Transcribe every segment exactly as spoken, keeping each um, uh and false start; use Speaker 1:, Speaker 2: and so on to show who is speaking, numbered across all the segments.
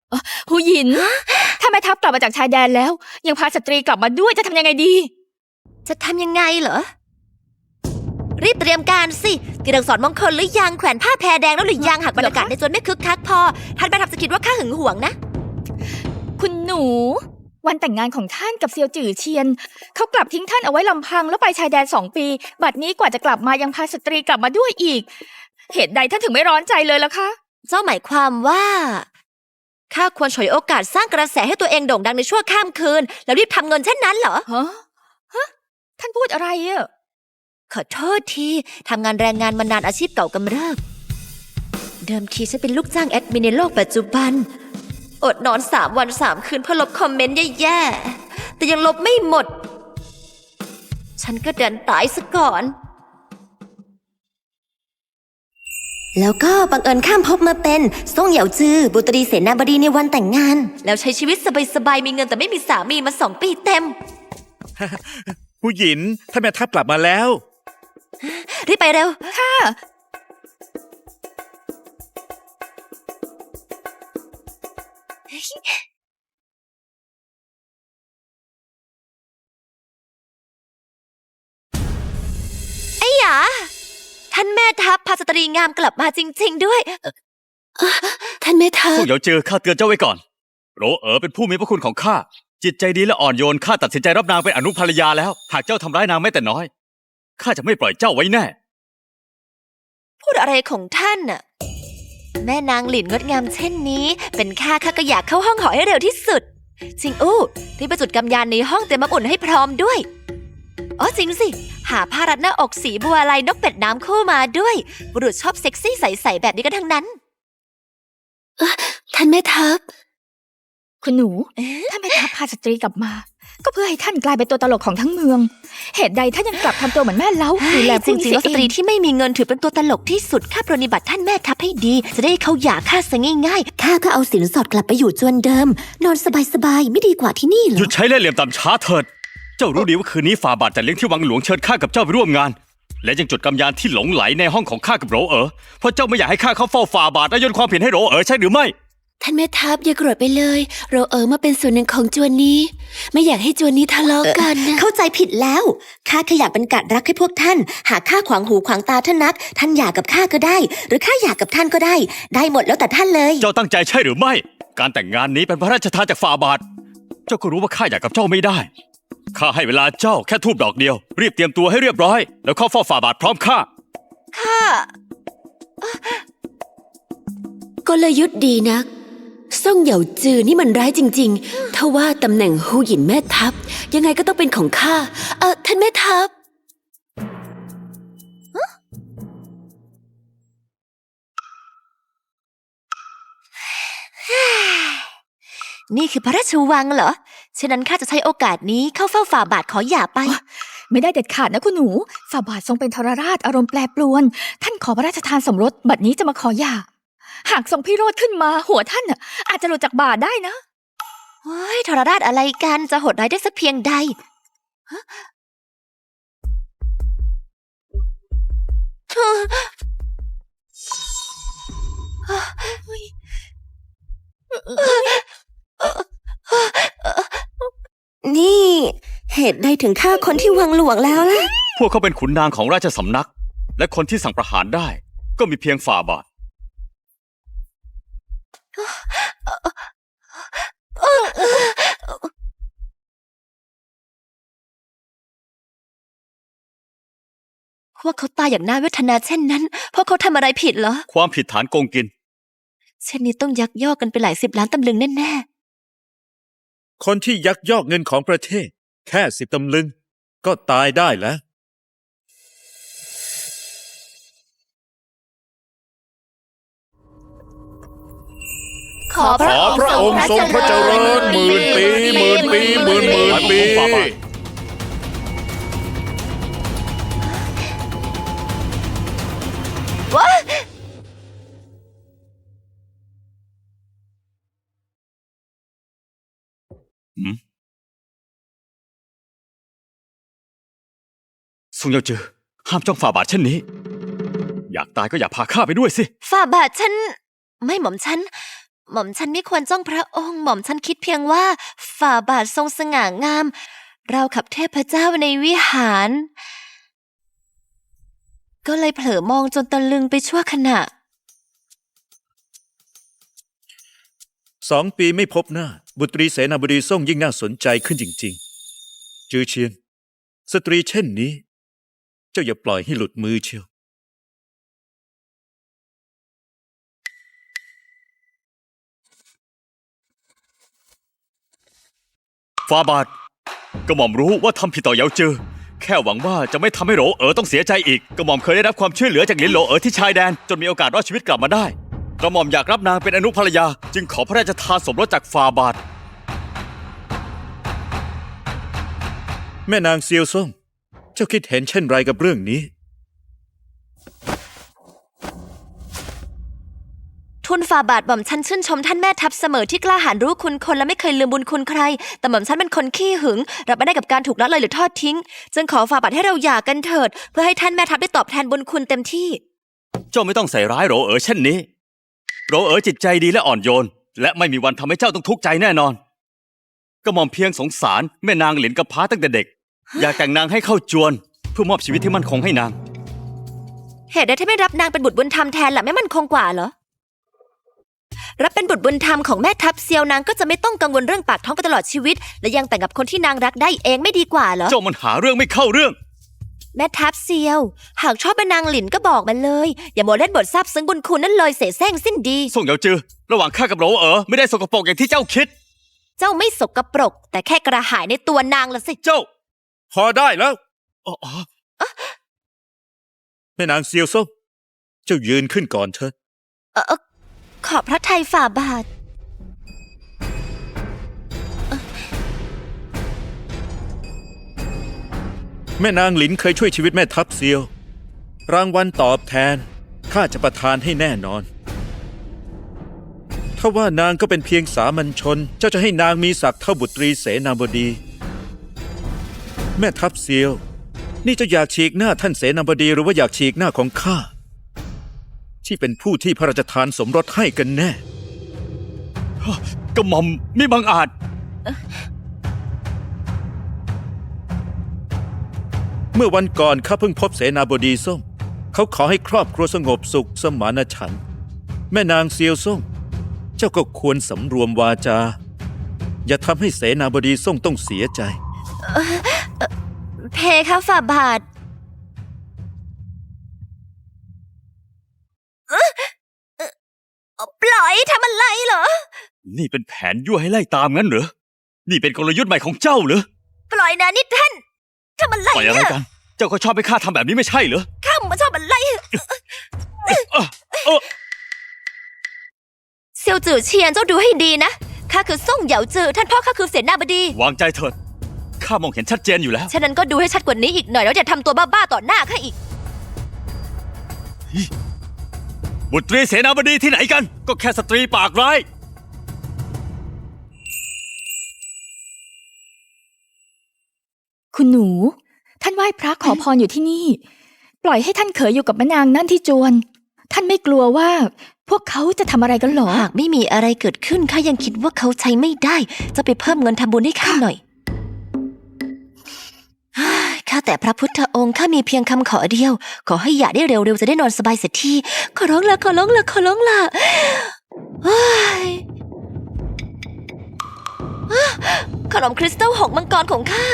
Speaker 1: หูหยิน ถ้าแม่ทัพกลับมาจากชายแดนแล้ว ยังพาสตรีกลับมาด้วยจะทำยังไงดี
Speaker 2: จะทำยังไงเหรอ รีบเตรียมการสิเตรียมสอนมงคลหรือยังแขวนผ้าแพรแดงแล้วหรือยังหากบรรยากาศในจวนไม่คึกคักพอท่านแม่ทัพจะคิดว่าข้าหึงหวงนะ
Speaker 1: คุณหนู วันแต่งงานของท่านกับเซียวจื่อเชียนเขากลับทิ้งท่านเอาไว้ลำพังแล้วไปชายแดนสองปี บัดนี้กว่าจะกลับมายังพาสตรีกลับมาด้วยอีก เหตุใดท่านถึงไม่ร้อนใจเลยล่ะคะ
Speaker 2: เจ้าหมายความว่าข้าควรฉวยโอกาสสร้างกระแสให้ตัวเองโด่งดังในชั่วข้ามคืนแล้วรีบทำเงินเช่นนั้นเหรอ
Speaker 1: ฮะฮะท่านพูดอะไรอะ
Speaker 2: ขอโทษทีทำงานแรงงานมานานอาชีพเก่ากำเริบเดิมทีฉันเป็นลูกจ้างแอดมินในโลกปัจจุบันอดนอนสามวันสามคืนเพื่อลบคอมเมนต์แย่ๆแต่ยังลบไม่หมดฉันก็เดินตายซะก่อนแล้วก็บังเอิญข้ามภพมาเป็นซ่งเหยาจือบุตรีเสนาบดีในวันแต่งงานแล้วใช้ชีวิตสบายๆมีเงินแต่ไม่มีสามีมาสองปีเต็ม
Speaker 3: ผู้หญินท่านแม่ทัพกลับมาแล้ว
Speaker 2: รีบไปเร็ว
Speaker 1: ค่ะ
Speaker 2: ไอ้หยาท่านแม่ทัพพาสตรีงามกลับมาจริงๆด้วยเอ่อท่านแม่ทั
Speaker 4: พว
Speaker 2: พ
Speaker 4: กเหยาเจอข้าเตือนเจ้าไว้ก่อน โรเอ๋อเป็นผู้มีพระคุณของข้า จิตใจดีและอ่อนโยนข้าตัดสินใจรับนางเป็นอนุภรรยาแล้ว หากเจ้าทำร้ายนางแม้แต่น้อยข้าจะไม่ปล่อยเจ้าไว้แน่
Speaker 2: พูดอะไรของท่านน่ะแม่นางหลินงดงามเช่นนี้ เป็นข้าข้าก็อยากเข้าห้องหอให้เร็วที่สุด จริงอู้รีบไปจุดกำยานในห้องเตรียมน้ำอุ่นให้พร้อมด้วยอ๋อจริงสิ หาผ้ารัดหน้าอกสีบัวลายนกเป็ดน้ำคู่มาด้วยบุรุษชอบเซ็กซี่ใสๆแบบนี้กันทั้งนั้นท่านแม่ทัพ
Speaker 1: คุณหนู ถ้าแม่ทัพพาสตรีกลับมา ก็เพื่อให้ท่านกลายเป็นตัวตลกของทั้งเมือง เหตุใดท่านยังกลับทำตัวเหมือนแม่เล้าดูแล
Speaker 2: จ
Speaker 1: ผู้
Speaker 2: ริงๆแล้วสตรีที่ไม่มีเงินถือเป็นตัวตลกที่สุดข้าปรนนิบัติท่านแม่ทัพให้ดี จะได้เขาหย่าข้าซะง่ายๆข้าก็เอาสินสอดกลับไปอยู่จวนเดิม นอนสบายๆไม่ดีกว่าที่นี่เหร
Speaker 4: หยุ
Speaker 2: อ
Speaker 4: ดใช้เล่ห์เหลี่ยมต่ำช้าเถิด เจ้ารู้ดีว่าคืนนี้ฝ่าบาทจัดเลี้ยงที่วังหลวงเชิญข้ากับเจ้าไปร่วมงาน และยังจุดกำยานที่หลงไหลในห้องของข้ากับโรเอ๋อเพราะเจ้าไม่อยากให้ข้าเข้าเฝ้าฝ่าบาทและโยนความผิดให้โรเอ๋อใช่หรือไม่
Speaker 2: ท่านแม่ทัพอย่าโกรธไปเลยเราเออมาเป็นส่วนหนึ่งของจวนนี้ ไม่อยากให้จวนนี้ทะเลาะกันนะเข้าใจผิดแล้วข้าแค่อยากเป็นกัดรักให้พวกท่าน หากข้าขวางหูขวางตาท่านนัก ท่านอยากกับข้าก็ได้ หรือข้าอยากกับท่านก็ได้ ได้หมดแล้วแต่ท่านเลย
Speaker 4: เจ้าตั้งใจใช่หรือไม่ การแต่งงานนี้เป็นพระราชทานจากฝ่าบาท เจ้าก็รู้ว่าข้าอยากกับเจ้าไม่ได้ ข้าให้เวลาเจ้าแค่ทูบดอกเดียว รีบเตรียมตัวให้เรียบร้อย แล้วเข้าเฝ้าฝ่าบาทพร้อมข้า
Speaker 2: ข้ากลยุทธ์ดีนักซ่งเหยาจือนี่มันร้ายจริงๆถ้าว่าตำแหน่งฮูหยินแม่ทัพยังไงก็ต้องเป็นของข้าเออท่านแม่ทัพนี่คือพระราชวังเหรอฉะนั้นข้าจะใช้โอกาสนี้เข้าเฝ้าฝ่าบาทขอหย่าไป
Speaker 1: ไม่ได้เด็ดขาดนะคุณหนูฝ่าบาททรงเป็นทรราชอารมณ์แปรปรวน ท่านขอพระราชทานสมรสบัดนี้จะมาขอหย่า หากทรงพิโรธขึ้นมาหัวท่านน่ะอาจจะหลุดจากบาทได้นะ
Speaker 2: เฮ้ยทรราชอะไรกันจะโหดร้ายได้สักเพียงใดฮะนี่ เหตุใดถึงฆ่าคนที่วังหลวงแล้วล่ะ
Speaker 4: พวกเขาเป็นขุนนางของราชสำนัก และคนที่สั่งประหารได้ ก็มีเพียงฝ่าบาท
Speaker 2: ว่าเขาตายอย่างน่าเวทนาเช่นนั้น เพราะเขาทำอะไรผิดเหรอ
Speaker 4: ความผิดฐานโกงกิน
Speaker 2: เช่นนี้ต้องยักยอกกันไปหลายสิบล้านตำลึงแน่
Speaker 3: คนที่ยักยอกเงินของประเทศ แค่สิบตำลึง ก็ตายได้แล้ว
Speaker 2: ๆ ขอพ
Speaker 3: ข
Speaker 2: ระ
Speaker 3: อ
Speaker 2: องค์
Speaker 3: พระองค์ทรงพระเจริญหมื่นปีหมื่นปีหมื่นหมื่นปี
Speaker 2: ว้า
Speaker 4: ซุงเยาจือห้ามจ้องฝ่าบาทเช่นนี้ อยากตายก็อย่าพาข้าไปด้วยสิ
Speaker 2: ฝ่าบาทฉัน ไม่หม่อมฉันหม่อมฉันไม่ควรจ้องพระองค์ หม่อมฉันคิดเพียงว่าฝ่าบาททรงสง่างาม เราขับเทพเจ้าในวิหาร ก็เลยเผลอมองจนตะลึงไปชั่วขณะ
Speaker 3: สองปีไม่พบหน้า บุตรีเสนาบดีส่งยิ่งน่าสนใจขึ้นจริงๆ จือเชียน สตรีเช่นนี้ เจ้าอย่าปล่อยให้หลุดมือเชียว
Speaker 4: ฟาบาทกระหม่อมรู้ว่าทำผิดต่อเหยาเจอ แค่หวังว่าจะไม่ทำให้โหลเอ๋อต้องเสียใจอีก กระหม่อมเคยได้รับความช่วยเหลือจากหลินโหลเอ๋อที่ชายแดนจนมีโอกาสรอดชีวิตกลับมาได้ กระหม่อมอยากรับนางเป็นอนุภรรยา จึงขอพระราชทานสมรสจากฟาบาท
Speaker 3: แม่นางเซียวซ่ง เจ้าคิดเห็นเช่นไรกับเรื่องนี้
Speaker 2: ทุนฝ่าบาทหม่อมฉันชื่นชมท่านแม่ทัพเสมอที่กล้าหาญรู้คุณคนและไม่เคยลืมบุญคุณใคร แต่หม่อมฉันเป็นคนขี้หึงรับไม่ได้กับการถูกละเลยหรือทอดทิ้ง จึงขอฝ่าบาทให้เราหย่ากันเถิด เพื่อให้ท่านแม่ทัพได้ตอบแทนบุญคุณเต็มที่
Speaker 4: เจ้าไม่ต้องใส่ร้ายโหลเอ๋อเช่นนี้โหลเอ๋อจิตใจดีและอ่อนโยน และไม่มีวันทำให้เจ้าต้องทุกข์ใจแน่นอน กระหม่อมเพียงสงสารแม่นางหลินกับพร้าตั้งแต่เด็ก อยากแต่งนางให้เข้าจวน เพื่อมอบชีวิตที่มั่นคงให้นาง
Speaker 2: เหตุใดที่ไม่รับนางเป็นบุตรบุญธรรมแทนล่ะไม่มั่นคงกว่าเหรอ รับเป็นบุตรบุญธรรมของแม่ทัพเซียวนางก็จะไม่ต้องกังวลเรื่องปากท้องไปตลอดชีวิต และยังแต่งกับคนที่นางรักได้เองไม่ดีกว่าเหรอ
Speaker 4: เจ้ามันหาเรื่องไม่เข้าเรื่อง
Speaker 2: แม่ทัพเซียว หากชอบเป็นนางหลินก็บอกมาเลย อย่ามัวเล่นบทซาบซึ้งบุญคุณนั่นเลยเสแสร้งสิ้นดี
Speaker 4: ส่งเหยาจือ ระหว่างข้ากับโหลเอ๋อไม่ได้สกปรกอย่างที่เจ้าคิด
Speaker 2: เจ้าไม่สกปรก แต่แค่กระหายในตัวนางละสิ
Speaker 4: เจ้า
Speaker 3: พอได้แล้ว
Speaker 4: อ๋อ
Speaker 3: แม่นางเซียวซ่ง เจ้ายืนขึ้นก่อนเถอะ
Speaker 2: เออเอ่อขอบพระทัยฝ่าบาท
Speaker 3: แม่นางหลินเคยช่วยชีวิตแม่ทัพเซียว รางวัลตอบแทนข้าจะประทานให้แน่นอน ถ้าว่านางก็เป็นเพียงสามัญชน เจ้าจะให้นางมีศักดิ์เท่าบุตรีเสนาบดี แม่ทัพเซียว นี่เจะอยากฉีกหน้าท่านเสนาบดีหรือว่าอยากฉีกหน้าของข้า ที่เป็นผู้ที่พระราชทานสมรสให้กันแน่
Speaker 4: กระหม่อมมิบังอาจ
Speaker 3: เมื่อวันก่อนข้าเพิ่งพบเสนาบดีส้ม เขาขอให้ครอบครัวสงบสุขสมานฉันท์แม่นางเซียวส้ม เจ้าก็ควรสำรวมวาจา อย่าทำให้เสนาบดีส้มต้องเสียใจ
Speaker 2: เพคะฝ่าบาทเอ๊ะเอ่อปล่อยทำอะไรเหรอ
Speaker 4: นี่เป็นแผนยั่วให้ไล่ตามงั้นเหรอ นี่เป็นกลยุทธ์ใหม่ของเจ้าเหรอ
Speaker 2: ปล่อยนะนี่ท่านทำอะไร
Speaker 4: ปล่อยอะไร
Speaker 2: เนี่ย
Speaker 4: กัน เจ้าก็ชอบให้ข้าทำแบบนี้ไม่ใช่เหรอ
Speaker 2: ข้ามาชอบอะไร
Speaker 4: เอ้อเอ้อ
Speaker 2: เซียวจือเชียนเจ้าดูให้ดีนะ ข้าคือซ่งเหยาจือท่านพ่อข้าคือเสนาบดี
Speaker 4: วางใจเถิด ข้ามองเห็นชัดเจนอยู่แล้ว
Speaker 2: ฉะนั้นก็ดูให้ชัดกว่านี้อีกหน่อยแล้วอย่าทำตัวบ้าๆต่อหน้าข้าอีก
Speaker 4: บุตรีเสนาบดีที่ไหนกัน ก็แค่สตรีปากร้าย
Speaker 1: คุณหนู ท่านไหว้พระขอพรอยู่ที่นี่ ปล่อยให้ท่านเขยอยู่กับแม่นางนั่นที่จวน ท่านไม่กลัวว่า พวกเขาจะทำอะไรกันหรอ
Speaker 2: หากไม่มีอะไรเกิดขึ้นข้ายังคิดว่าเขาใช้ไม่ได้ จะไปเพิ่มเงินทำบุญให้ข้าหน่อยเฮ้ยข้าแต่พระพุทธองค์ข้ามีเพียงคำขอเดียว ขอให้หย่าได้เร็วๆจะได้นอนสบายเสียทีขอร้องละขอร้องละขอร้องละเฮ้ยอ้าขนมคริสตัลหงส์มังกรของข้า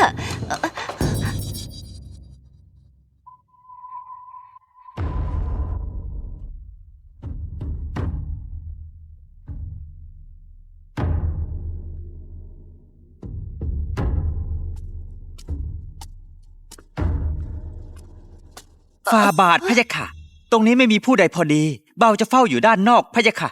Speaker 5: ฟาบาทพะยะค่ะ ตรงนี้ไม่มีผู้ใดพอดี เบาจะเฝ้าอยู่ด้านนอกพะยะค่ะ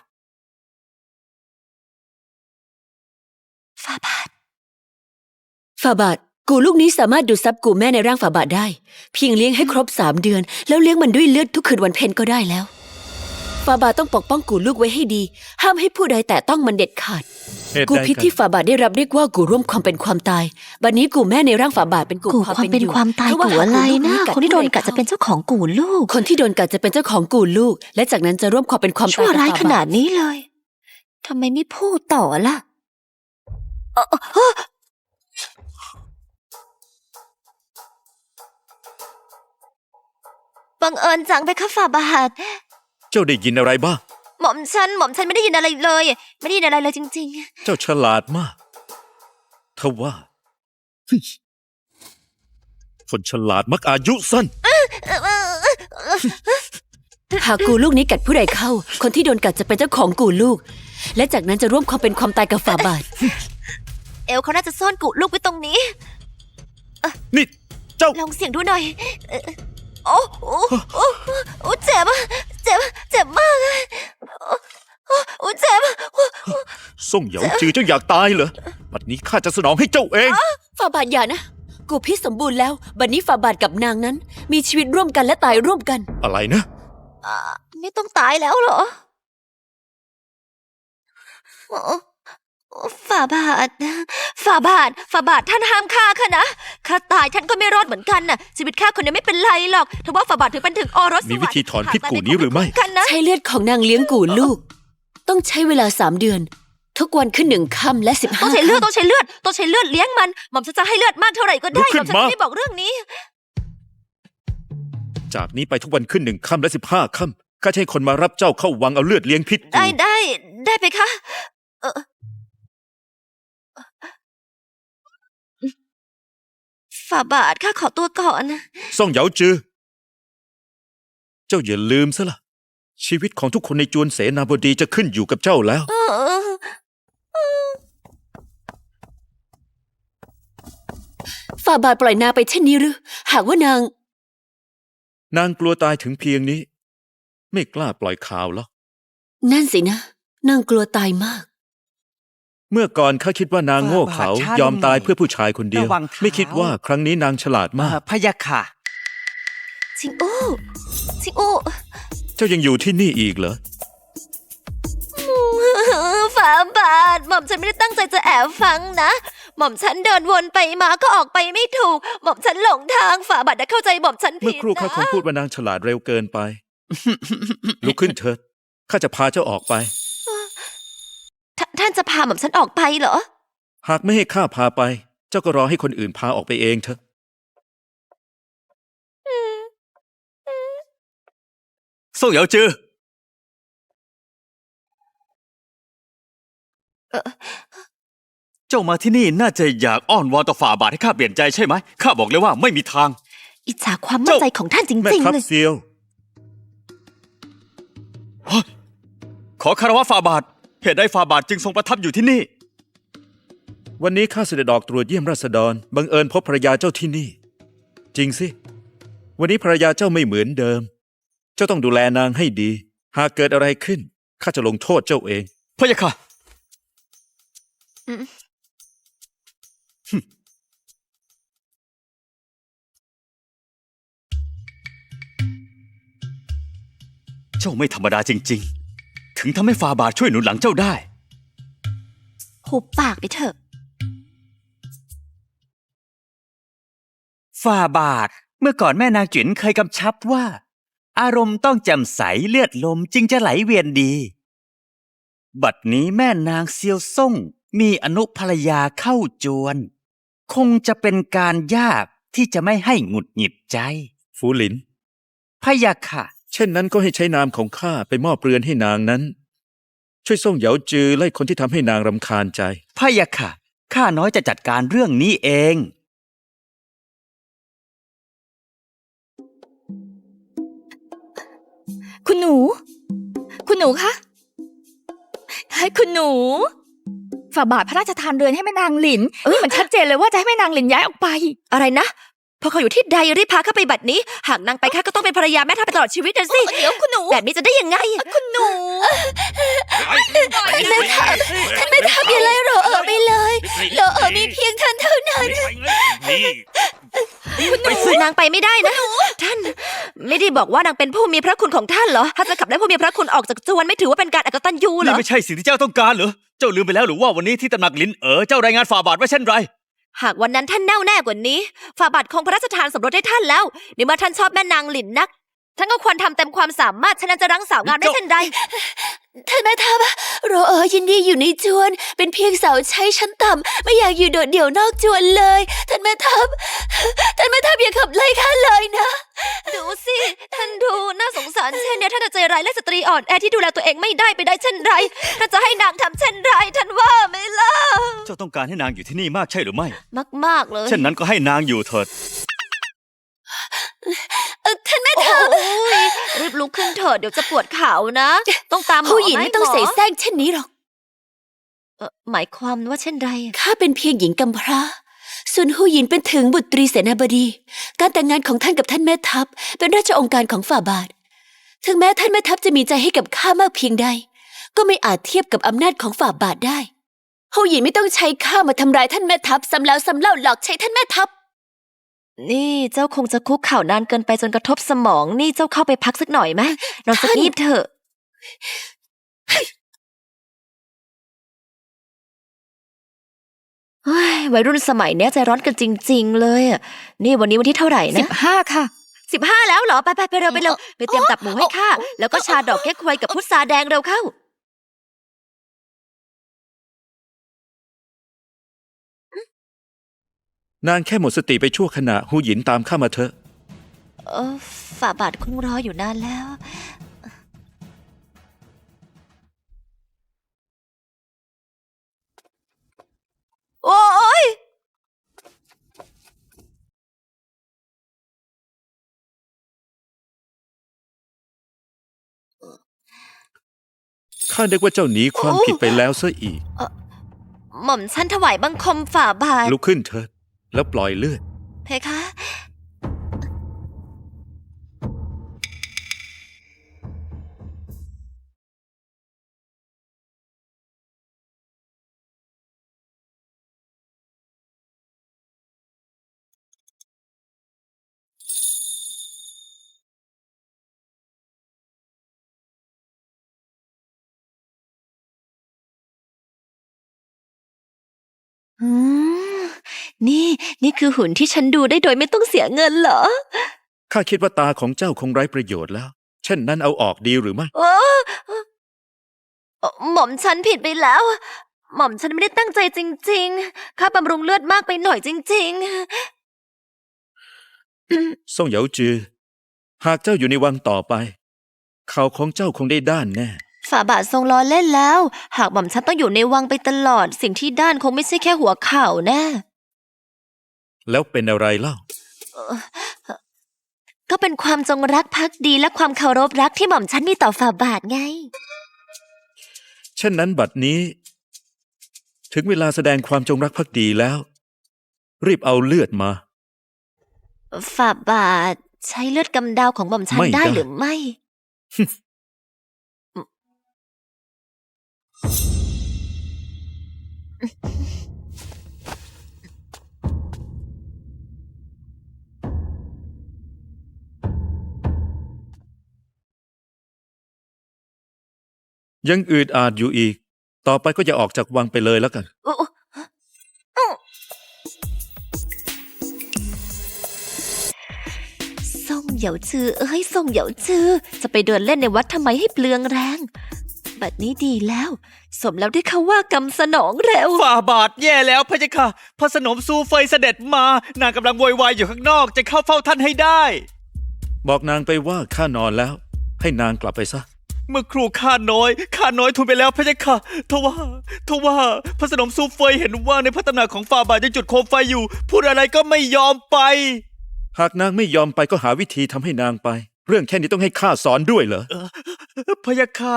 Speaker 2: ฟาบาท
Speaker 6: ฝาบาทกูลูกนี้สามารถดูดซับกูแม่ในร่างฝาบาทได้ เพียงเลี้ยงให้ครบสามเดือน แล้วเลี้ยงมันด้วยเลือดทุกคืนวันเพ็ญก็ได้แล้วฝาบาทต้องปกป้องกูลูกไว้ให้ดี ห้ามให้ผู้ใดแตะต้องมันเด็ดขาด
Speaker 3: เหตุ
Speaker 6: กู
Speaker 3: ใด
Speaker 6: พิษ
Speaker 3: กัน
Speaker 6: ที่ฝาบาทได้รับเรียกว่ากูร่วมความเป็นความตายบัดนี้กูแม่ในร่างฝาบาทเป็นกู
Speaker 2: กู
Speaker 6: ความ
Speaker 2: ความ
Speaker 6: เป็น
Speaker 2: เป็น
Speaker 6: อยู่
Speaker 2: ความตาย
Speaker 6: เพราะว่า
Speaker 2: กูอะไร
Speaker 6: หาก
Speaker 2: นะ
Speaker 6: กัด
Speaker 2: คนที่โดน
Speaker 6: ผู้ใ
Speaker 2: กัดจะเป็นเจ้าของกูลูก
Speaker 6: คนที่โดนกัดจะเป็นเจ้าของกูลูก และจากนั้นจะร่วมความเป็นความ
Speaker 2: ชั่
Speaker 6: ตายว กับ
Speaker 2: ร้าย
Speaker 6: ฝา
Speaker 2: ข
Speaker 6: บา
Speaker 2: นา
Speaker 6: ท
Speaker 2: ดนี้เลย โธทำไมไม่พูดต่อล่ะเอ่อเอ่อบังเอิญจังไปค่ะฝ่าบาท
Speaker 3: เจ้าได้ยินอะไรบ้าง
Speaker 2: หม่อมฉันหม่อมฉันไม่ได้ยินอะไรเลย ไม่ได้ยินอะไรเลยจริง
Speaker 3: เจ้าฉลาดมากทว่าเฮ้ยคนฉลาดมักอายุสั้น
Speaker 2: ๆ
Speaker 6: หากกูลูกนี้กัดผู้ใดเข้า คนที่โดนกัดจะเป็นเจ้าของกูลูก และจากนั้นจะร่วมความเป็นความตายกับฝาบาท
Speaker 2: เอลเขาน่าจะซ่อนกุลูกไว้ตรงนี้
Speaker 3: นี่ เจ้า
Speaker 2: ลองเสียงดูหน่อยเอ่อโอ้โอ้โอ้โอ้เจ็บอะเจ็บเจ็บมากอะโอ้โอ้โอ้เจ็บอะโอ้
Speaker 3: ส่งเหยาจือเจ้าอยากตายเหรอบัดนี้ข้าจะสนองให้เจ้าเอง
Speaker 6: ฝาบาทอย่านะ กูพิษสมบูรณ์แล้ว บัดนี้ฝาบาทกับนางนั้น มีชีวิตร่วมกันและตายร่วมกัน
Speaker 3: อะไรนะ
Speaker 2: อ่าไม่ต้องตายแล้วเหรอโอ้โอ้ฝ่าบาทฝ่าบาทฝ่าบาทท่านห้ามฆ่าข้านะข้าตายท่านก็ไม่รอดเหมือนกันน่ะ ชีวิตข้าคนเดียวไม่เป็นไรหรอกถือว่าฝ่าบาทถือเป็นถึงโอรสสวรรค์
Speaker 3: มีวิธีถอนพิษกูนี้หรือไม่
Speaker 2: กันนะ
Speaker 6: ใช้เลือดของนางเลี้ยงกูลูก ต้องใช้เวลาสามเดือน ทุกวันขึ้นหนึ่งค่ำและสิบ
Speaker 2: ต้
Speaker 6: ห้า
Speaker 2: องใช้เลือดต้
Speaker 6: ค่ำ
Speaker 2: องใช้เลือดต้องใช้เลือดเลี้ยงมันหม่อมฉันจะให้เลือดมากเท่าไหร่ก็
Speaker 3: ลุ
Speaker 2: ได้
Speaker 3: กขึ้
Speaker 2: หม่อน มฉัน
Speaker 3: มา
Speaker 2: ไม่ได้บอกเรื่องนี้
Speaker 3: จากนี้ไปทุกวันขึ้นหนึ่งค่ำและสิบห้าค่ำข้าจะให้คนมารับเจ้าเข้าวังเอาเลือดเลี้ยงพิษกู
Speaker 2: ได้ได้ได้ไปคะเออฝ่าบาทข้าขอตัวก่อน
Speaker 3: ส่งเหยาจือ เจ้าอย่าลืมซะละชีวิตของทุกคนในจวนเสนาบดีจะขึ้นอยู่กับเจ้าแล้ว
Speaker 2: เออ
Speaker 6: ฝาบาทปล่อยนางไปเช่นนี้หรือ หากว่านาง
Speaker 3: นางกลัวตายถึงเพียงนี้ ไม่กล้าปล่อยข่าวหรอก
Speaker 6: นั่นสินะ นางกลัวตายมาก
Speaker 3: เมื่อก่อนข้าคิดว่านางโง่เขายอมตายเพื่อผู้ชายคนเดียว
Speaker 5: ระวังเท้า
Speaker 3: ไม่คิดว่าครั้งนี้นางฉลาดมาก
Speaker 5: อ่าพะยะค่ะ
Speaker 2: ชิงอู้ชิงอู้
Speaker 3: เจ้ายังอยู่ที่นี่อีกเหรอ
Speaker 2: ฝ่าบาทหม่อมฉันไม่ได้ตั้งใจจะแอบฟังนะ หม่อมฉันเดินวนไปมาก็ออกไปไม่ถูก หม่อมฉันหลงทางฝ่าบาทได้เข้าใจหม่อมฉันผิ
Speaker 3: เมื่อ
Speaker 2: ด
Speaker 3: ครู่ข้า
Speaker 2: นะ
Speaker 3: คงพูดว่านางฉลาดเร็วเกินไป ลุกขึ้นเถิดข้าจะพาเจ้าออกไป
Speaker 2: ท่าท่านจะพาหม่อมฉันออกไปเหรอ
Speaker 3: หากไม่ให้ข้าพาไป เจ้าก็รอให้คนอื่นพาออกไปเองเถอะ
Speaker 4: ส่งเหยาจือ เจ้ามาที่นี่น่าจะอยากอ้อนวอนต่อฝ่าบาทให้ข้าเปลี่ยนใจใช่ไหมข้าบอกเลยว่าไม่มีทาง
Speaker 2: อิจฉาความมั่นใจของท่านจ
Speaker 3: แม่
Speaker 2: ริง
Speaker 3: ทั
Speaker 2: ๆ
Speaker 3: พ
Speaker 2: เลย
Speaker 3: เซียว
Speaker 4: ขอคารวะฝ่าบาท เหตุใดฝ่าบาทจึงทรงประทับอยู่ที่นี่
Speaker 3: วันนี้ข้าเสด็จออกตรวจเยี่ยมราษฎรบังเอิญพบภรรยาเจ้าที่นี่ จริงสิ วันนี้ภรรยาเจ้าไม่เหมือนเดิม เจ้าต้องดูแลนางให้ดี หากเกิดอะไรขึ้นข้าจะลงโทษเจ้าเอง
Speaker 4: พะยะค่ะ
Speaker 2: อืม
Speaker 4: เจ้าไม่ธรรมดาจริง ๆ ถึงทำให้ฝ่าบาทช่วยหนุนหลังเจ้าได้
Speaker 2: หุบปากไปเถอะ
Speaker 5: ฝ่าบาท เมื่อก่อนแม่นางจิ๋นเคยกำชับว่า อารมณ์ต้องแจ่มใสเลือดลมจึงจะไหลเวียนดี บัดนี้แม่นางเซียวซ่งมีอนุภรรยาเข้าจวน คงจะเป็นการยากที่จะไม่ให้หงุดหงิดใจ
Speaker 3: ฟูหลิน
Speaker 5: พะยะค่ะ
Speaker 3: เช่นนั้นก็ให้ใช้นามของข้าไปมอบเรือนให้นางนั้น ช่วยส่งเหยาจือไล่คนที่ทำให้นางรำคาญใจ
Speaker 5: พะยะค่ะ ข้าน้อยจะจัดการเรื่องนี้เอง
Speaker 1: คุณหนู คุณหนูคะให้คุณหนู ฝ่าบาทพระราชทานเรือนให้แม่นางหลิน นี่มันชัดเจนเลยว่าจะให้แม่นางหลินย้ายออกไป
Speaker 2: อะไรนะ พอเขาอยู่ที่ใดรีบพาเข้าไปบัดนี้ หากนางไปข้าก็ต้องเป็นภรรยาแม่ทัพไปตลอดชีวิตนะสิ
Speaker 1: เดี๋ยวคุณหนู
Speaker 2: แบบนี้จะได้ยังไง
Speaker 1: คุณหนู
Speaker 2: แม่ทัพท่านแม่ทัพอย่าไล่รอเอ๋อไปเลยรอเอ๋อมีเพียงท่านเท่านั้นนางไปไม่ได้นะ ท่าน ไม่ได้บอกว่านางเป็นผู้มีพระคุณของท่านเหรอ ถ้าจะขับไล่ผู้มีพระคุณออกจากจวนไม่ถือว่าเป็นการอกตัญญูเหร
Speaker 4: นี่
Speaker 2: อ
Speaker 4: ไม่ใช่สิ่งที่เจ้าต้องการเหรอ เจ้าลืมไปแล้วหรือว่าวันนี้ที่ตำหนักลินเอ๋อเจ้ารายงานฝ่าบาทว่าเช่นไร
Speaker 2: หากวันนั้นท่านแน่วแน่กว่านี้ฝ่าบาทคงพระราชทานสมรสให้ท่านแล้วในเมื่อท่านชอบแม่นางหลินนักฉันก็ควรทำเต็มความสามารถฉะนั้นจะรั้งสาวงามได้เช่นใด
Speaker 6: ท่านแม่ทัพโรเออยินดีอยู่ในจวน เป็นเพียงสาวใช้ชั้นต่ำไม่อยากอยู่โดดเดี่ยวนอกจวนเลย ท่านแม่ทัพท่านแม่ทัพอย่าขับไล่ข้าเลยนะ
Speaker 2: ดูสิท่านดูน่าสงสารเช่นเนี้ยท่านจะใจร้ายและสตรีอ่อนแอที่ดูแลตัวเองไม่ได้ไปได้เช่นไรท่านจะให้นางทำเช่นไรท่านว่าไหมล่ะ
Speaker 4: เจ้าต้องการให้นางอยู่ที่นี่มากใช่หรือไม่
Speaker 2: มากๆเลย
Speaker 4: เช่นนั้นก็ให้นางอยู่เถิด
Speaker 6: เอ่อท่านแม่
Speaker 2: โอ้
Speaker 6: ทัพ
Speaker 2: ยรีบลุกขึ้นเถิดเดี๋ยวจะปวดเข่านะ ต้องตามหมอ
Speaker 6: ผู้หญิง
Speaker 2: ไหม
Speaker 6: ไม่ต้อง
Speaker 2: หม
Speaker 6: เสแสร้งเช่นนี้หรอก
Speaker 2: เอ่อหมายความว่าเช่นไร
Speaker 6: ข้าเป็นเพียงหญิงกำพร้า ส่วนหูหยินเป็นถึงบุตรีเสนาบดี การแต่งงานของท่านกับท่านแม่ทัพเป็นราชองค์การของฝ่าบาท ถึงแม้ท่านแม่ทัพจะมีใจให้กับข้ามากเพียงใด ก็ไม่อาจเทียบกับอำนาจของฝ่าบาทได้หูหยินไม่ต้องใช้ข้ามาทำร้ายท่านแม่ทัพซ้ำแล้วซ้ำเล่าหลอกใช้ท่านแม่ทัพ
Speaker 2: นี่เจ้าคงจะคุกเข่านานเกินไปจนกระทบสมอง นี่เจ้าเข้าไปพักสักหน่อยไหมนอนสัก
Speaker 6: ท่าน
Speaker 2: นิดเถอะเฮ้ยวัยรุ่นสมัยเนี้ยใจร้อนกันจริง ๆ เลยอะนี่วันนี้วันที่เท่าไหร่นะ
Speaker 1: สิบห้าค่ะ
Speaker 2: สิบห้าแล้วเหรอ ไปไปไปเร็วไปเร็วไปเตรียมตับหมูให้ข้าแล้วก็ชาดอกแก้ควยกับพุทราแดงเร็วเข้า
Speaker 3: นางแค่หมดสติไปชั่วขณะหูหยินตามข้ามาเถอะ
Speaker 2: เออฝ่าบาทคงรออยู่นานแล้ว โอ้ย
Speaker 3: ข้านึกว่าเจ้าหนีความผิดไปแล้วซะอีก
Speaker 2: หม่อมฉันถวายบังคมฝ่าบาท
Speaker 3: ลุกขึ้นเถิดแล้วปล่อยเลือด
Speaker 2: เพคะ อืมนี่ นี่คือหุ่นที่ฉันดูได้โดยไม่ต้องเสียเงินเหรอ
Speaker 3: ข้าคิดว่าตาของเจ้าคงไร้ประโยชน์แล้ว เช่นนั้นเอาออกดีหรือไม่
Speaker 2: เออเอ่อหม่อมฉันผิดไปแล้ว หม่อมฉันไม่ได้ตั้งใจจริงๆ ข้าบำรุงเลือดมากไปหน่อยจริง
Speaker 3: ซ่งเหยาจือ หากเจ้าอยู่ในวังต่อไป เขาของเจ้าคงได้ด้านแน่
Speaker 2: ๆ ฝ่าบาททรงล้อเล่นแล้ว หากหม่อมฉันต้องอยู่ในวังไปตลอด สิ่งที่ด้านคงไม่ใช่แค่หัวเข่าแน่
Speaker 3: แล้วเป็นอะไรเล่า
Speaker 2: ก็เป็นความจงรักภักดีและความเคารพรักที่หม่อมฉันมีต่อฝ่าบาทไง
Speaker 3: เช่นนั้นบัดนี้ ถึงเวลาแสดงความจงรักภักดีแล้ว รีบเอาเลือดมา
Speaker 2: ฝ่าบาทใช้เลือดกำเดาของหม่อมฉัน
Speaker 3: ไม่
Speaker 2: ได้
Speaker 3: ได้
Speaker 2: หรือไม่
Speaker 3: ยังอืดอาดอยู่อีก ต่อไปก็อย่าออกจากวังไปเลยแล้วกัน
Speaker 2: ส่งเหยาจือเอ้ยส่งเหยาจือ จะไปเดินเล่นในวัดทำไมให้เปลืองแรง บัดนี้ดีแล้ว สมแล้วที่เขาว่ากำสนองเร็ว
Speaker 4: ฝ่าบาทแย่แล้วพะยะค่ะพระสนมซูเฟยเสด็จมา นางกำลังโวยวายอยู่ข้างนอกจะเข้าเฝ้าท่านให้ได้
Speaker 3: บอกนางไปว่าข้านอนแล้ว ให้นางกลับไปซะ
Speaker 4: เมื่อครูข้าน้อยข้าน้อยทูลไปแล้วพะยะค่ะทว่าทว่าพระสนมซูเฟยเห็นว่าในพระตำหนักของฝ่าบาทยังจุดโคมไฟอยู่ พูดอะไรก็ไม่ยอมไป
Speaker 3: หากนางไม่ยอมไปก็หาวิธีทำให้นางไป เรื่องแค่นี้ต้องให้ข้าสอนด้วยเหรอ
Speaker 4: พะยะค่ะ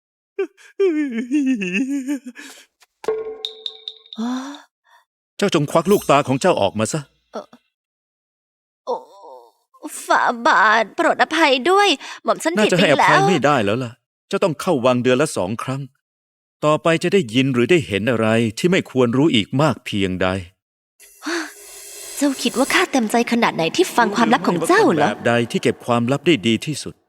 Speaker 3: เจ้าจงควักลูกตาของเจ้าออกมาซะ
Speaker 2: โอ้ฝ่าบาทโปรดอภัยด้วย หม่อมฉัน
Speaker 3: น่า
Speaker 2: ผิด
Speaker 3: จะ
Speaker 2: ไป
Speaker 3: ให้อ
Speaker 2: แล้
Speaker 3: ภัยว ไม่ได้แล้วล่ะ เจ้าต้องเข้าวังเดือนละสองครั้ง ต่อไปจะได้ยินหรือได้เห็นอะไรที่ไม่ควรรู้อีกมากเพียงใด
Speaker 2: เจ้าคิดว่าข้าเต็มใจขนาดไหนที่ฟังความลับของเจ้าเหรอ
Speaker 3: แบบใดที่เก็บความลับได้ดีที่สุด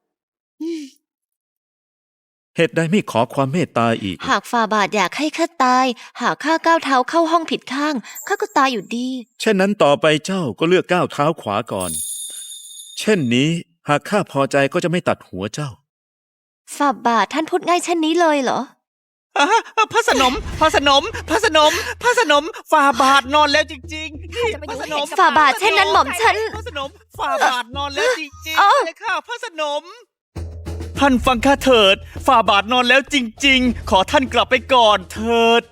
Speaker 3: เหตุใดไม่ขอความเมตตาอีก
Speaker 2: หากฝ่าบาทอยากให้ข้าตาย หากข้าก้าวเท้าเข้าห้องผิดข้าง ข้าก็ตายอยู่ดี
Speaker 3: เช่นนั้นต่อไปเจ้าก็เลือกก้าวเท้าขวาก่อน เช่นนี้หากข้าพอใจก็จะไม่ตัดหัวเจ้า
Speaker 2: ฝ่าบาทท่านพูดง่ายเช่นนี้เลยเหรอ
Speaker 5: อ่ะพระสนมพระสนมพระสนมพระสนมฝ่าบาทนอนแล้วจริงๆนี่พระสนม
Speaker 2: ฝ่าบาทเช่นนั้นหม่อมฉัน
Speaker 5: พระสนมฝ่าบาทนอนแล้วจริง
Speaker 2: เอ้า
Speaker 5: ๆเลยค่ะพระสนม ท่านฟังข้าเถิดฝ่าบาทนอนแล้วจริง ๆ ขอท่านกลับไปก่อนเถิด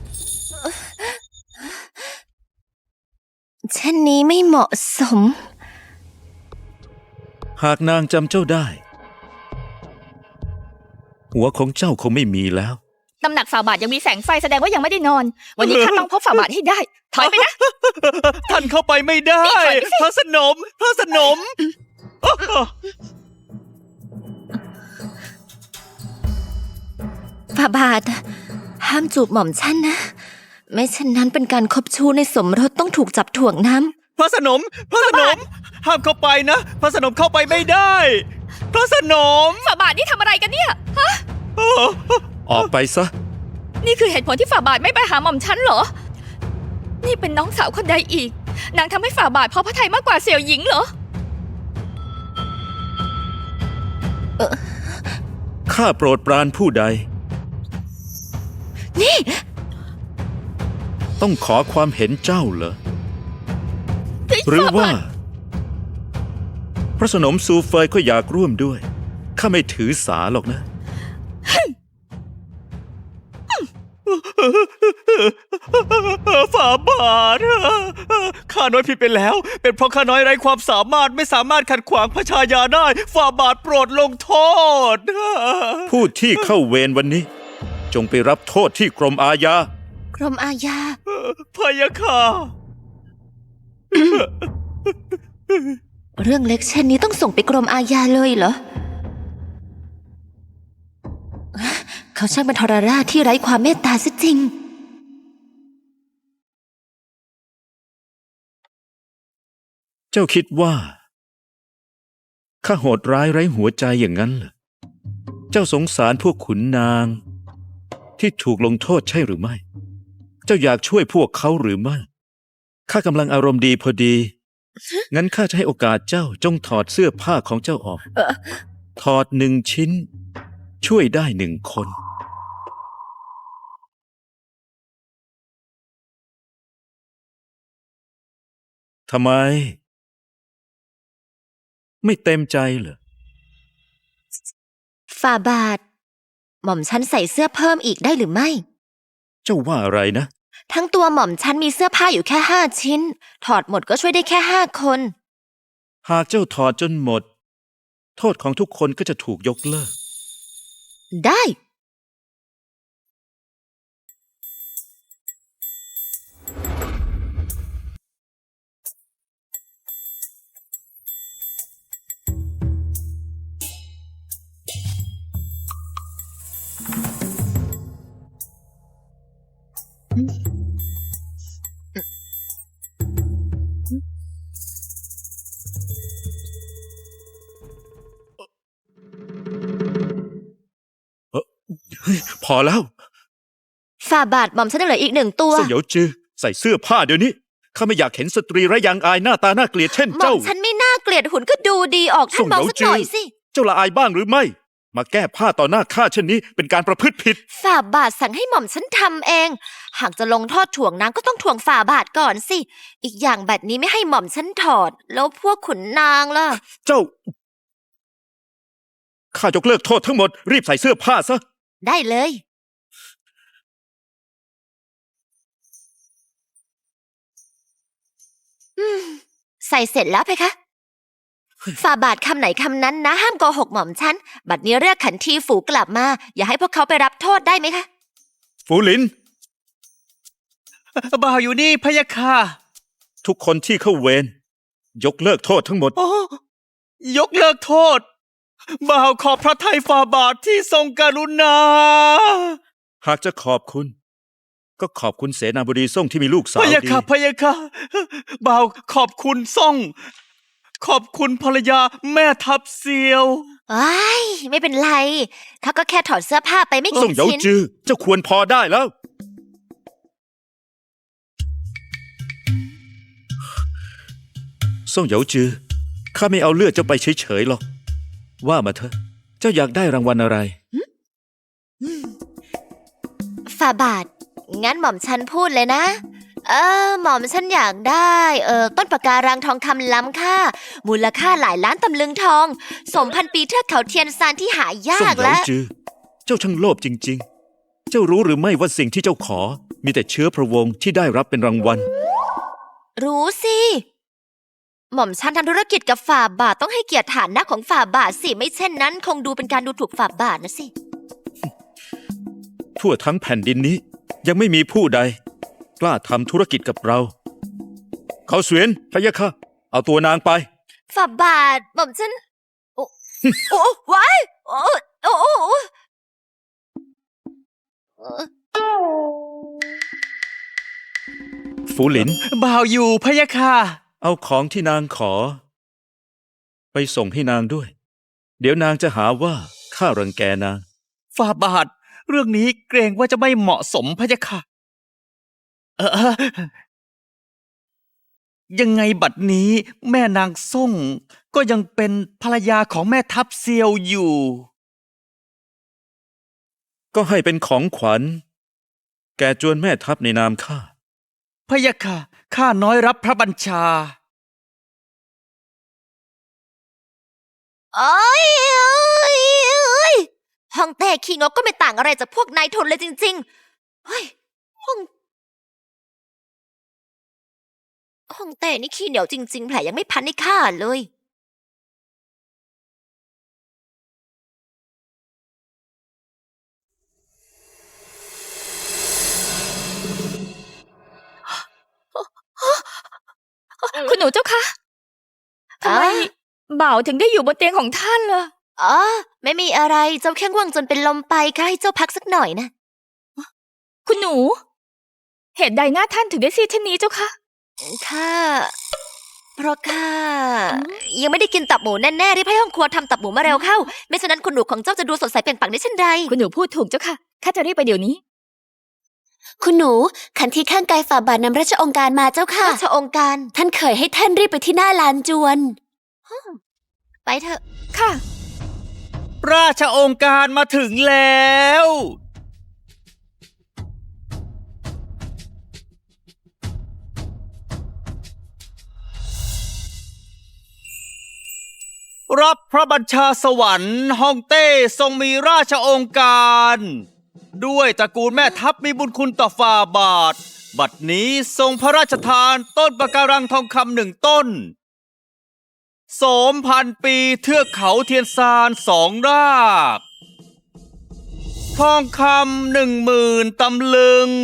Speaker 2: เช่นนี้ไม่เหมาะสม
Speaker 3: หากนางจำเจ้าได้ หัวของเจ้าคงไม่มีแล้ว
Speaker 1: ตำหนักฝ่าบาทยังมีแสงไฟแสดงว่ายังไม่ได้นอน วันนี้ข้าต้องพบฝ่าบาทให้ได้ ถอยไปนะ
Speaker 5: ท่านเข้าไปไม่ได้
Speaker 1: นี่ถอยไปสิ
Speaker 5: พระสนมพระสนม
Speaker 2: ฝ่าบาท ห้ามจูบหม่อมฉันนะ ไม่เช่นนั้นเป็นการคบชู้ในสมรสต้องถูกจับถ่วงน้ำ
Speaker 5: พระสนมพระสนม ห้ามเข้าไปนะ พระสนมเข้าไปไม่ได้ พระสนม
Speaker 1: ฝ่าบาทนี่ทำอะไรกันเนี่ย ฮะ
Speaker 3: ออกไปซะ
Speaker 1: นี่คือเหตุผลที่ฝ่าบาทไม่ไปหาหม่อมฉันเหรอ นี่เป็นน้องสาวคนใดอีก นางทำให้ฝ่าบาทพอพระทัยมากกว่าเสี่ยวหญิงเหรอ
Speaker 3: ข้าโปรดปรานผู้ใด
Speaker 2: นี่
Speaker 3: ต้องขอความเห็นเจ้าเหรอ หรือว่า พระสนมซูเฟยก็อยากร่วมด้วย ข้าไม่ถือสาหรอกนะ
Speaker 5: ฝ่าบาทข้าน้อยผิดไปแล้ว เป็นเพราะข้าน้อยไร้ความสามารถไม่สามารถขัดขวางพระชายาได้ ฝ่าบาทโปรดลงโทษ
Speaker 3: ผู้ที่เข้าเวรวันนี้ จงไปรับโทษที่กรมอาญา
Speaker 2: กรมอาญา
Speaker 5: พะยะค่ะ
Speaker 2: เรื่องเล็กเช่นนี้ต้องส่งไปกรมอาญาเลยเหรอ เขาช่างเป็นทรราชที่ไร้ความเมตตาซะจริง
Speaker 3: เจ้าคิดว่า ข้าโหดร้ายไร้หัวใจอย่างนั้นเหรอ เจ้าสงสารพวกขุนนาง ที่ถูกลงโทษใช่หรือไม่ เจ้าอยากช่วยพวกเขาหรือไม่ ข้ากำลังอารมณ์ดีพอดี งั้นข้าจะให้โอกาสเจ้าจงถอดเสื้อผ้าของเจ้าออก ถอดหนึ่งชิ้น ช่วยได้หนึ่งคน ทำไม ไม่เต็มใจเหรอ
Speaker 2: ฝ่าบาท หม่อมฉันใส่เสื้อเพิ่มอีกได้หรือไม่
Speaker 3: เจ้าว่าอะไรนะ
Speaker 2: ทั้งตัวหม่อมฉันมีเสื้อผ้าอยู่แค่ห้าชิ้น ถอดหมดก็ช่วยได้แค่ห้าคน
Speaker 3: หากเจ้าถอดจนหมด โทษของทุกคนก็จะถูกยกเลิก
Speaker 2: ได้
Speaker 3: พอแล้ว
Speaker 2: ฝ่าบาทหม่อมฉันยังเหลืออีกหนึ่งตัว
Speaker 3: เสี่ยวจือใส่เสื้อผ้าเดี๋ยวนี้ ข้าไม่อยากเห็นสตรีไร้ยางอายหน้าตาน่าเกลียดเช่น
Speaker 2: หม่อ
Speaker 3: เจ้า
Speaker 2: มฉันไม่น่าเกลียดหุ่นก็ดูดีออกท่านมองสักหน่อยสิ
Speaker 3: เจ้าละอายบ้างหรือไม่ มาแก้ผ้าต่อหน้าข้าเช่นนี้เป็นการประพฤติผิด
Speaker 2: ฝ่าบาทสั่งให้หม่อมฉันทำเอง หากจะลงโทษถ่วงนางก็ต้องถ่วงฝ่าบาทก่อนสิ อีกอย่างแบบนี้ไม่ให้หม่อมฉันถอด แล้วพวกขุนนางล่ะ
Speaker 3: เจ้า ข้ายกเลิกโทษทั้งหมด รีบใส่เสื้อผ้าซะ
Speaker 2: ได้เลย อืม ใส่เสร็จแล้วเพคะ ฝ่าบาทคำไหนคำนั้นนะ ห้ามโกหกหม่อมฉัน บัดนี้เรียกขันทีฝูกลับมา อย่าให้พวกเขาไปรับโทษได้ไหมคะ
Speaker 3: ฝูหลิน
Speaker 5: บ่าวอยู่นี่พะยะค่ะ
Speaker 3: ทุกคนที่เข้าเวรยกเลิกโทษทั้งหมด
Speaker 5: โอ้ยกเลิกโทษ บ่าวขอบพระทัยฝ่าบาทที่ทรงกรุณา
Speaker 3: หากจะขอบคุณ ก็ขอบคุณเสนาบดีส่งที่มีลูกสาว
Speaker 5: พะยะ
Speaker 3: ดี
Speaker 5: ค่ะพะยะค่ะบ่าวขอบคุณซ่อง ขอบคุณภรรยาแม่ทัพเซียว
Speaker 2: อ้ายไม่เป็นไรเขาก็แค่ถอดเสื้อผ้าไปไม่
Speaker 3: ส่
Speaker 2: กี่
Speaker 3: งเหยา
Speaker 2: ชิ้น
Speaker 3: จือเจ้าควรพอได้แล้ว ส่งเหยาจือข้าไม่เอาเลือดเจ้าไปเฉยๆหรอก ว่ามาเถอะ เจ้าอยากได้รางวัลอะไร
Speaker 2: ฝ่าบาท งั้นหม่อมฉันพูดเลยนะ เออ หม่อมฉันอยากได้ เออต้นปะการังทองคำล้ำค่า มูลค่าหลายล้านตำลึงทอง สมพันปีเทือกเขาเทียนซานที่หายา
Speaker 3: ส่ง
Speaker 2: ก
Speaker 3: เหลา
Speaker 2: และ
Speaker 3: จือ เจ้าช่างโลภจริงๆ เจ้ารู้หรือไม่ว่าสิ่งที่เจ้าขอ มีแต่เชื้อพระวงศ์ที่ได้รับเป็นรางวัล
Speaker 2: รู้สิ หม่อมฉันทำธุรกิจกับฝ่าบาทต้องให้เกียรติฐานะของฝ่าบาทสิ ไม่เช่นนั้น คงดูเป็นการดูถูกฝ่าบาทนะสิ
Speaker 3: ทั่วทั้งแผ่นดินนี้ยังไม่มีผู้ใด กล้าทำธุรกิจกับเรา เขาเสวียนพะยะค่ะ เอาตัวนางไป
Speaker 2: ฝ่าบาทหม่อมฉัน โอ้ โอ้ว้ายโอ้โอ้โอ้โอ้เอ่อ
Speaker 3: ฝูหลิน
Speaker 5: บ่าวอยู่พะยะค่ะ
Speaker 3: เอาของที่นางขอ ไปส่งให้นางด้วย เดี๋ยวนางจะหาว่าข้ารังแกนาง
Speaker 5: ฝ่าบาท เรื่องนี้เกรงว่าจะไม่เหมาะสมพะยะค่ะ เออเออยังไงบัดนี้แม่นางส่ง ก็ยังเป็นภรรยาของแม่ทัพเซียวอยู่
Speaker 3: ก็ให้เป็นของขวัญ แก่จวนแม่ทัพในนามข้า
Speaker 5: พะยะค่ะ ข้าน้อยรับพระบัญชา
Speaker 2: โอ้ยโอ้ยโอ้ยห้องแต่ขี้งกก็ไม่ต่างอะไรจากพวกนายทุนเลยจริงๆ เฮ้ย ห้อง ห้องแต่นี่ขี้เหนียวจริง ๆ แผลยังไม่พันให้ข้าเลย
Speaker 1: คุณหนูเจ้าคะทำไม
Speaker 2: อ่ะ
Speaker 1: บ่าวถึงได้อยู่บนเตียงของท่านล่ะ
Speaker 2: อ๋อ ไม่มีอะไร เจ้าแค่ง่วงจนเป็นลมไปข้าให้เจ้าพักสักหน่อยนะ
Speaker 1: คุณหนู เหตุใดหน้าท่านถึงได้ซีดเช่นนี้เจ้าคะ
Speaker 2: ข้า เพราะข้า ยังไม่ได้กินตับหมูแน่ๆรีบให้ห้องครัวทำตับหมูมาเร็วเข้า ไม่ฉะนั้นคุณหนูของเจ้าจะดูสดใสเปล่งปลั่งได้เช่นใด
Speaker 1: คุณหนูพูดถูกเจ้าค่ะ ข้าจะรีบไปเดี๋ยวนี้
Speaker 6: คุณหนู ขันทีข้างกายฝ่าบาทนำราชองค์การมาเจ้าค่ะ
Speaker 2: ราชองค์การ
Speaker 6: ท่านเคยให้ท่านรีบไปที่หน้าลานจวน
Speaker 2: ไปเถอะ
Speaker 1: ค่ะ
Speaker 5: ราชองค์การมาถึงแล้ว รับพระบัญชาสวรรค์ฮ่องเต้ทรงมีราชองค์การ ด้วยตระกูลแม่ทัพมีบุญคุณต่อฝ่าบาท บัดนี้ทรงพระราชทานต้นปะการังทองคำหนึ่งต้น โสมพันปีเทือกเขาเทียนซานสองราก ทองคำหนึ่งหมื่นตำลึง